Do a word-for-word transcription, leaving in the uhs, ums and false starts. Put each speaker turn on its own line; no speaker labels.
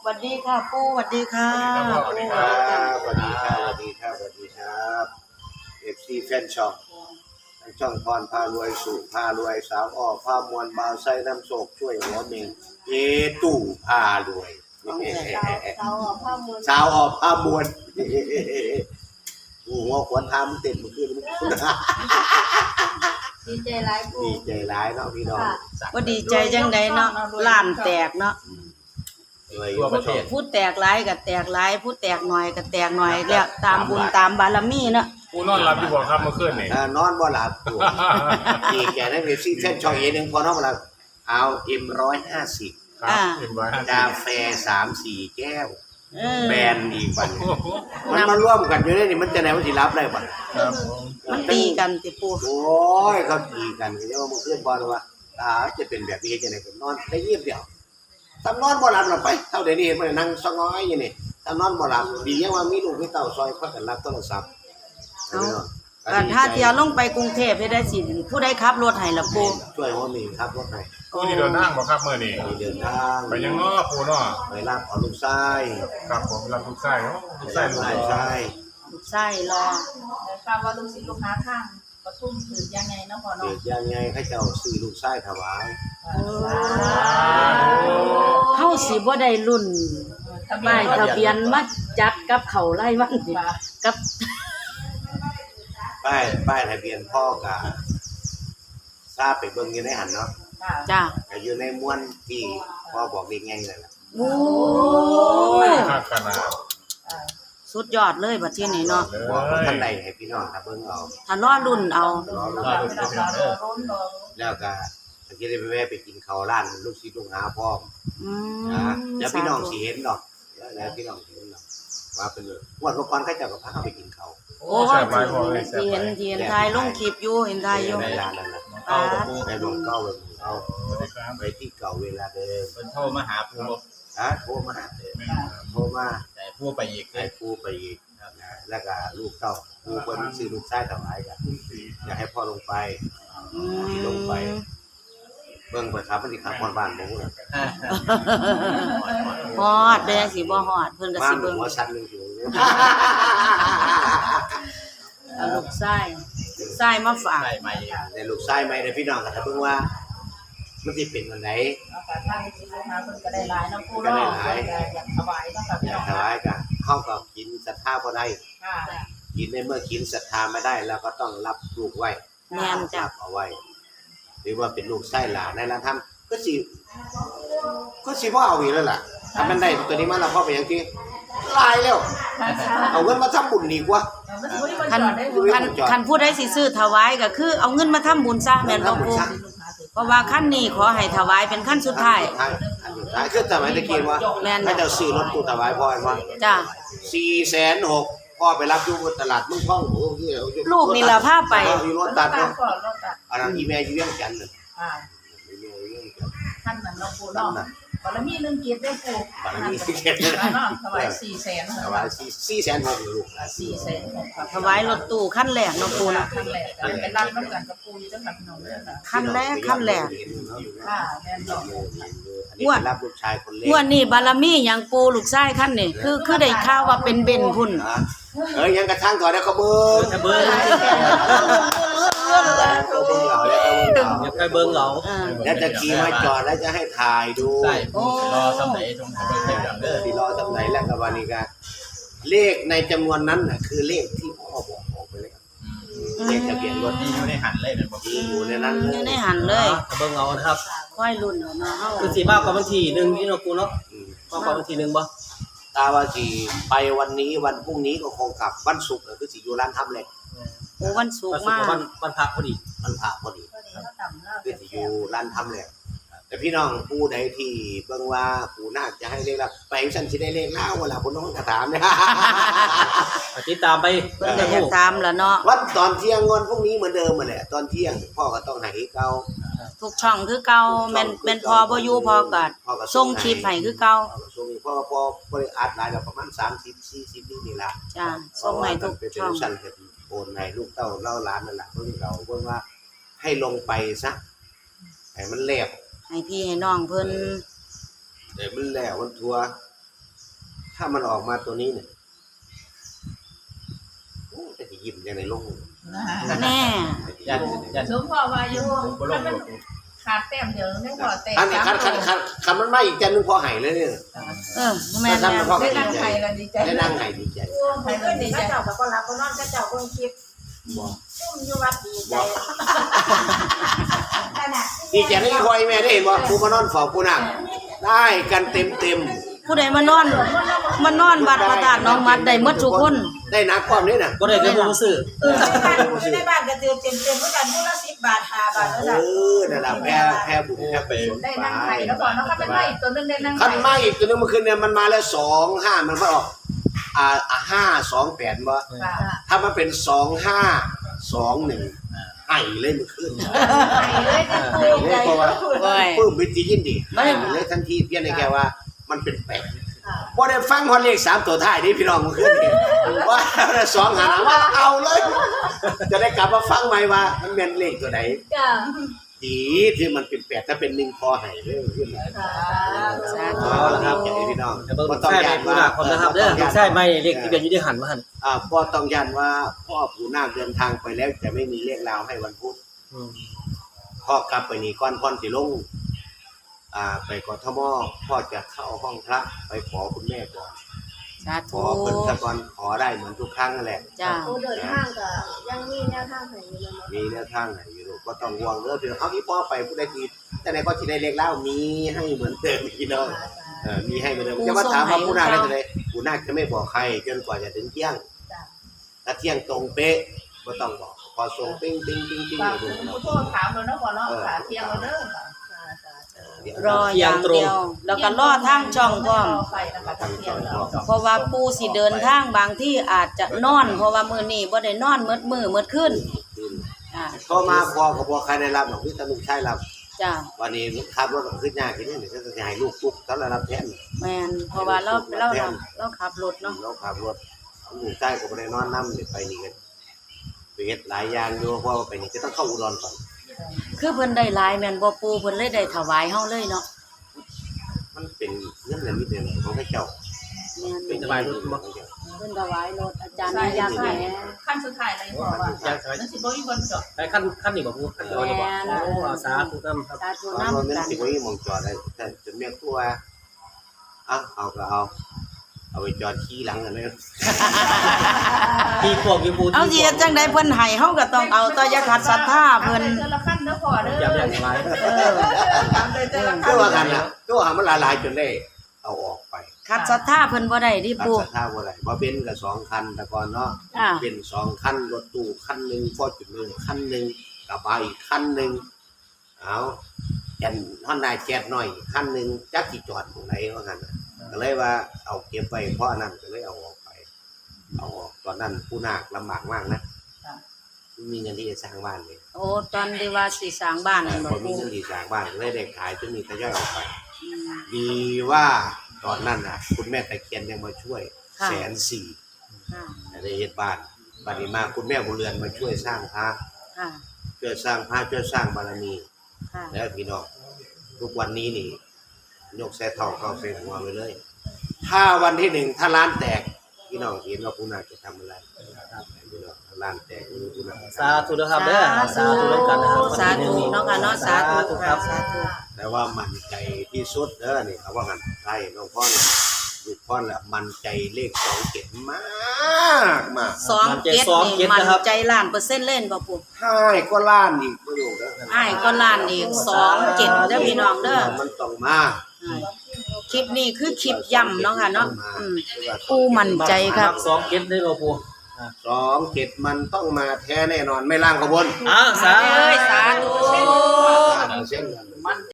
วัสดีค่ะปู่สวัสดีค่ะ
สวัสดีครับสวัสดีครับสวัสดีครับสวัสดีครับเอฟซีแฟนช่องทั้งช่องพรพารวยสุพารวยสาวอ้อพามวลบาวไส้น้ำโศกช่วยหัวเมงเอตู่พารวยสาวอ้อพามวลหัวขวัญทำเต็มมือขึ้น
ดีใจหลายปู่
ดีใจร้ายเนาะพี่น้อง
ว่าดีใจจังไดเนาะล้านแตกเนาะพูดแตกหลายก็แตกหลายพูดแตกหน่อยก็แตกหน่อยแล้วตามบุญตามบารมีเนาะ
กูนอนหลับอยู่บ่ครับเมื่อคืนนี่
นอนบ่หลับอยู่ดีแกนั่นเอฟซีแฟนช่องเอหนึ่งพอนอนบ่หลับเอาเอ็มร้อยห้าสิบกาแฟสามสี่แก้วแบรนด์อีกวันมันมาร่วมกันอยู่ได้นี่มันจะไหนมันสิรับได้บ่
มันตีกันติปู่
โอ้ยเขาตีกันก็จะว่ามึงขึ้นบอลว่าตาจะเป็นแบบนี้จะไหนก็นอนได้เยียบเดียวตำนอนบ่หลับหลับไปเท่าเดี๋ยวนี้มันนั่งสงอยอยู่นี่ตำนอนบ่หลับดียังว่ามีลูกมีเต้าซอยพักกันรับโทรศัพท์
เอาถ้าเที่ยวลงไปกรุงเทพให้ได้สิผู้ใดขับรถให้ล่ะปู่
ช่วยหัวมีครับรถให้
กูนี่เดินทางบ่ครับมื้อนี้
เดินทาง
ไปยังง้อปู่เนาะ
ไปรับเอาลูกชาย
ครับผมรับลูกชายเนาะลูกชายลูก
ชาย
ลูกชายรอ
ได้ทราบว่าลูกศิษย์ลูกหาทางปทุมถือยังไงเนาะพ่อเนาะ
ถือยังไงให้เจ้าซื้อลูกชายถวาย
เฮาสิบ่ได้รุ่นป้ายทะเบียนมาจัดกับเขาไล่วันกับ
ป้ายป้ายทะเบียนพ่อกะทราบไปเบิ่งอยู่ในหันเนาะ
จ้า
ก็อยู่ในม้วนที่พ่อบอกเด็กไงนั่นแหละ
โอ้
ยขนาด
สุดยอดเลยบัดนี้เนาะ
บอกท่านใดให้พี่น้องถ้าเบิ่งเอา
ถ้ารอรุ่นเอา
รอรุ่นแล้วก็ถ้าสิได้ไปแวะไปกินข้าวร้านลูกศิษย์ลูกหาพร้อม
อืม
นะแล้วพี่น้องสิเห็นดอกแล้วพี่น้องสิเห็นดอกว่าเป็นเลยงวดก่อนเขาเจ้าก็พาไปกินข้าว
โอ้ที่เห็นที่เห็นถ่ายลงคลิปอยู่เห็นถ่ายอยู่
ในร้านนั่นน่ะเอาไปลงเก้าเลยเอาไปที่เก่าเวลาเดิม
เพิ่นโทรมาหาปู่
ฮะโทรมาหาเด้อโทรมา
แต่ปู่ไปอีก
ให้ปู่ไปอีกนะแล้วก็ลูกเต้าปู่เพิ่นซื้อลูกชายถวายกันอยากให้พ่อลงไป
อืม
ลงไปเบิ่งประทับมันสิขับฮอดบ้านบ่ฮู้น่ะ
ฮอดเด้สิบ่ฮอดเพิ่นก็สิเบิ่ง
หัวสั่นนึงอยู่
เอาลูกชายลูกชายมาฝาก
ได้ใหม่
แต่ลูกชายใหม่ได้พี่น้องก็ถ้าเบิ่งว่ามันสิเป็นอันไหน
ทางศิษย์ลูกหาเพิ่นก็ได้หลายเนาะปู่เนาะอยากถวายเนาะค่ะพี่น้อง
ถวายก็เฮาก็กินศรัทธาบ่ได้
ค่ะ
กินในเมื่อกินศรัทธาไม่ได้แล้วก็ต้องรับลูกไว้
แม่นจ้ะ
เอาไว้หรือว่าเป็นลูกไส้หลานในละทำก็สิก็สิบ่เอาอีกแล้วล่ะถ้ามันได้ตัวนี้มาแล้วพอไปอย่างที่ลายแล้วเอาเงินมาทำบุญดีกว่า
คันคันคันผู้ใดสิซื้อถวายก็คือเอาเงินมาทำบุญซะแม่นบ่ปู่เพราะว่าขั้นนี้ขอให้ถวายเป็นขั้นสุดท้าย
อันสุดท้ายคือสมัยตะกี้ว่าให้เจ้าซื้อรถตู้ถวายพ่อให้ว่า
จ้ะ
สี่แสนหก พ่อไปรับอยู่ตลาดเมืองทองโอ้
ลูกนี่ล่ะพาไป
อยู่รถตัดเนาะอันนั้นอีแม่อยู่เวียงจันทน์น่ะ
อ่าท่านนั้นเนาะปู่เนาะบารมีหนึ่งเกียรติได้ปู่
บารมีหนึ่งเกียรติ
เนาะถวายสี่แสน
ถวายสี่แสนหกลูก
สี่แสนหก
ถวายรถตู้ขั้นแรกเนาะปู่เนาะ
ขั้นแรกเป็นรับน้ำกันกับปู่อยู่จังหวัดพี่น้องเด้อค่ะ
ขั้นแรกขั้นแรก
ค่ะแม่นดอก
งวดรับลูกชายคนเล็ก
งวดนี้บารมีหยังปู่ลูกชายขั้นนี่คือคือได้ข่าวว่าเป็นเบนพุ่น
เอ้ยยังกระทั่งก่อนนะเขาเบิ้ง
เบิ้งอย่าไปเบิ้งเหรอ
แล้วจะขี่มาจอดแล้วจะให้ถ่ายดู
ใช่รอสำไหนตรงเบิ้งให้ดังเด้อ
ที่รอสำไหนแล้วกับวันนี้ก็เลขในจำนวนนั้นน่ะคือเลขที่พ่อบอกออกไปเลยเลขทะเบียนรถ
ที่อยู่ในหันเลยเป็นบ่
อยู่ในนั้น
อยู่ในหันเลย
เบิ้งเอานะครับ
ค่อยรุ่นเนาะเฮา
คือสิมากกว่าบางทีนึงที่เนาะกูเนาะมากกว่าบางทีนึงบ่
ตาว่าสิไปวันนี้วันพรุ่งนี้ก็คงกลับวันศุกร์คือสิอยู่ร้านทำเหล็ก
โอ้วันศุกร์มา
วันวันพระพอดี
วันพระพอดีคือสิอยู่ร้านทำเหล็กแต่พี่น้องผู้ใดที่เบิ่งว่าผู้น่าจะให้เลขแล้วไปฉันสิได้เลขแล้วเวลาพุ่นน้องก็ถามเนี่ย
ติดตามไป
เพิ่นก็จะตามล่ะเนาะ
วันตอนเที่ยงวันพรุ่งนี้เหมือนเดิมนั่นแหละตอนเที่ยงพ่อก็ต้องให้เก่า
ทุกช่องคือเก่าแม่นแม่นพอบ่อยู่พอก็ส่งคลิปให้คือเก่า
ส่งพ่อพอบ่ได้อัดหลายแล้วประมาณสามสิบ สี่สิบนี่นี่ล่ะ
จ้ะส่งให้ทุกช่อง
สั่นก็โอนให้ลูกเต้าเล่าหลานนั่นล่ะเพิ่นเราเพิ่นว่าให้ลงไปซะให้มันแล้ว
ให้พี่ให้น้องเพิ่น
เดี๋ยวมันแล้วมันทัวถ้ามันออกมาตัวนี้เนี่ยโอ้แต่จะยิ้มยังไงลง
แน่
ยันยัน
สมพ่อว่าอยู่
บ่ลงบ่
ขาดแต้มเดียวไม่พอแต้ม
อันนี้คันคันคันคันมันไม่อีกจันนึงพอหายเลยเนี่ย
เออแม่น
คัน
แม่
มันพอน
ได้นั่งไทยแล้วดีใจ
ได้นั่งหายดีใจ
ไทยแล้วดีใจ
เจ้าก็รับก็นอนเจ้าก็คลิป
บ่
ซุ่มอยู่วัดดีใจขนาด
ดีใจได้คอยแม่ได้เห็นบ่กูมานอนเฝ้ากูนั่งได้กันเต็มเต็ม
ผู้ใดมานอนมานอนวัดพระธาตุน้องมัดได้หมดทุกคน
ได้นักความนี้น่ะ
บ่ได้แต่ผู้ซื้อ
เอออยู่ในบ้านก็เจอเต็มเต็มเหมือนกันผู้ละสิบบาทห้าบาท
เอ
แล้วจ้ะ
อนั่นล่ะแพ้แพ้บุญแพ้ไป
ได้นั่งไทยแล้วก่อนแล้วก็เป็นไม่ตัวนึงได้นั่งไท
คัน
ย
มาอีกตัวนึงเมื่อคืนเนี่ยมันมาแล้วสองห้ามันก็ออกอ่าอ่าห้าสองแปดบ่
ค่ะ
ถ้ามันเป็นสองห้าสองหนึ่งไห้เลยเมื่อคืน
ไทยเลยจะ
ไห้เลยเพราะว่า
โอ้ย
ปลื้มวิจิยินดีไห้เลยทันทีเพี้ยนในแกว่ามันเป็นแปดบ่ได้ฟังฮอดเลขสามตัวท้ายนี่พี่น้องเมื่อคืนนี่ว่าสองหาว่าเอาเลย จะได้กลับมาฟังใหม่ว่ามันแม่นเลขตัวไหน
จ้ะ
ดีที่มันเป็นแปดถ้าเป็นหนึ่งพอให้เลยขึ้น
สาธุ
เอาละครับใจพี่น้อง
แต่เบิ่ง
บ่ต้อง
ใช่
ยาน
ผู้
ว่า
หนักคนนะครับเด้อใช่ไม่เลขที่เป็นอยู่ที่หันมาหัน
อ่าพ่อต้องยันว่าพ่อปู่นาคเดินทางไปแล้วจะไม่มีเลขราวให้วันพุธ
อืม
พ่อกลับไปนี่ก้อนพ่อนสิลงอ่าไปกทมพ่อจะเข้าห้องพระไปขอคุณแม่ก่อน
สา
ข
ธุ
อเพิ่นซะก่อนขอได้เหมือนทุกครั้งนั่นแหละ
จ้า
ผู้เดินทางก็ยังมีแนวทางให้อยู่เลย
มีแนวทางไหนอยู่ลูกก็ต้องห่วงเด้อพี่น้องเอาที่พ่อไปผู้ใดทีแต่ไหนก็สิได้เลขราวมีให้เหมือนเดิมพี่น้องเออมีให้เหมือนเดิมจะมาถามว่าปู่นาคได้จังได๋ปู่นาคจะไม่บอกใครจนกว่าจะถึงเที่ยงถ้าเที่ยงตรงเป๊ะบ่ต้องบอกพอส่งปิ้งปิ้งปิ้งปิ้ง
ฝาก
ให้ดู
คุณ
เนาะ
ผู้โทษถามเลยนะก่อนเนาะขาเที่ยงเราเด้อ
รออย่างเดียว แล้วก็รอทางช่องพร้อม
ไฟนะคะเที่ยงเรา
เพราะว่าปู่สิเดินทางบางที่อาจจะนอน เพราะว่ามื้อนี้บ่ได้นอนมื้อมื้อมื้อคืนอ่า
โทรมาพอก็บ่ใครได้รับหรอกพี่ตาลูกชายรับ
จ้า
วันนี้ขับรถขึ้นยากกินนี่ก็จะให้ลูกปุ๊บตอนรับแทน
แม่นเพราะว่าเราเราเราเราขับรถเนาะ
เราขับรถลูกชายก็บ่ได้นอนนำไปนี่กันไปเฮ็ดหลายอย่างอยู่เพราะว่าไปนี่จะต้องเข้าอุดรก่อน
คือเพิ่นได้หลายแม่นบ่ปู่เพิ่นเลยได้ถวายเฮาเลยเนาะ
มันเป็นเรื่องเงินนิดเดียวของพระเจ้า
แม่น
เป็นสบายรถบ่
เพิ่นถวายรถอาจารย์อยากแหม
ขั้นสุดท้ายเลยบอกว่านั่นสิบ่มีคนจบ
ไอ้ขั้นขั้นนี่บ่ผู้ขั้นตัวนี่บ่โอ้เอาสาธุนำครับ
สาธุ
ตอน
นำ
นั้น
กัน
สิบ่มีหม่องจอดได้แต่จนแม่ครัวเอาเอาก็เอาเอาไปจอดขี้หลังกันเลย
ที่พวกอยู่ผู้
เอาสิเฮ็ดจังได๋เพิ่นให้เฮาก็ต้องเอาต่ออย่าขัดศรัทธาเพิ่น
เจอละขั้นเด้อพอเด้อ
อย่าไปอย่างไร
เออ
ตามเจอละ
ก็
ขั้น
ว่ากันน่ะก็ว่ามันหลายๆจนได้เอาออกไป
ขัดศรัทธาเพิ่นบ่ได้ดิ
รัก
ปู่
ษาท่าบ่ได้บ่เป็นก็สองคันแต่ก่อนเนาะ
อ่า
เป็นสองคันรถตู้คันหนึงฟอร์จูเนอร์คันหนึงกระบะอีกคันหนึงเอาจันฮอนด้าแจ๊สน้อยคันหนึงจักสิจอดตรงไหนว่างั้นน่ะก็เลยว่าเอาเก็บไว้เพราะอันนั้นก็เลยเอาออกไป เอาออกตอนนั้นผู้นาคลำบากมากนะไม่มีเงินที่จะสร้างบ้านเลย
โอ้ตอนที่ว่าสิสร้างบ้านนั่น
พ
บ่
อมี
ปู่
เงินที่สร้างบ้านก็เลยได้ขายจนมีทยอยออกไป
อืม
ดีว่าตอนนั้นน่ะ คุณแม่ตะเคียนยังมาช่วย
ค่ะ
แสนสี่
ค่ะ
ได้เฮ็ดบ้านบัดนี้มาคุณแม่บุญเรือนมาช่วยสร้างพระ
ค่ะ
ช่วยสร้างพระช่วยสร้างบารมี
ค่ะ
แล้วพี่น้องทุกวันนี้นี่ยกแซ่ทองเข้าใส่หัวไปเลย ถ้าวันที่หนึ่งถ้าร้านแตกพี่น้องเห็นว่าคุณนาจะทำอะไรครับพี่น้องถ้าร้านแตกคุณนา
สาธุนะครับเด้อสาธุนำกันนะครับ
สาธุเนาะค่ะเนาะสาธุ
ครับ
สาธุ
แต่ว่ามั่นใจที่สุดเด้อนี่เขาว่างั้นใช่น้องพ่อเนี่ยลูกพ่อแหละมั่นใจเลขสองเจ็ดมากมาก
สองเจ็ดนี่มันใจล้านเปอร์เซ็นต์เล่นบ่ปู่
ให้ก็ล้านอีกประโยคเด้อ
อ้ายก็ล้านอีกสองเจ็ดเด้อพี่น้องเด้อ
มันต้องมา
อ่าคลิปนี้คือคลิปย่ำเนาะค่ะเนาะอืมปู่มั่นใจครับ
สองเก็บได้บ่ผู้
สองเจ็ดมันต้องมาแท้แน่นอนไม่ล่างขบวน
อ้าวสา
เอ้ยสาธุ
เส้น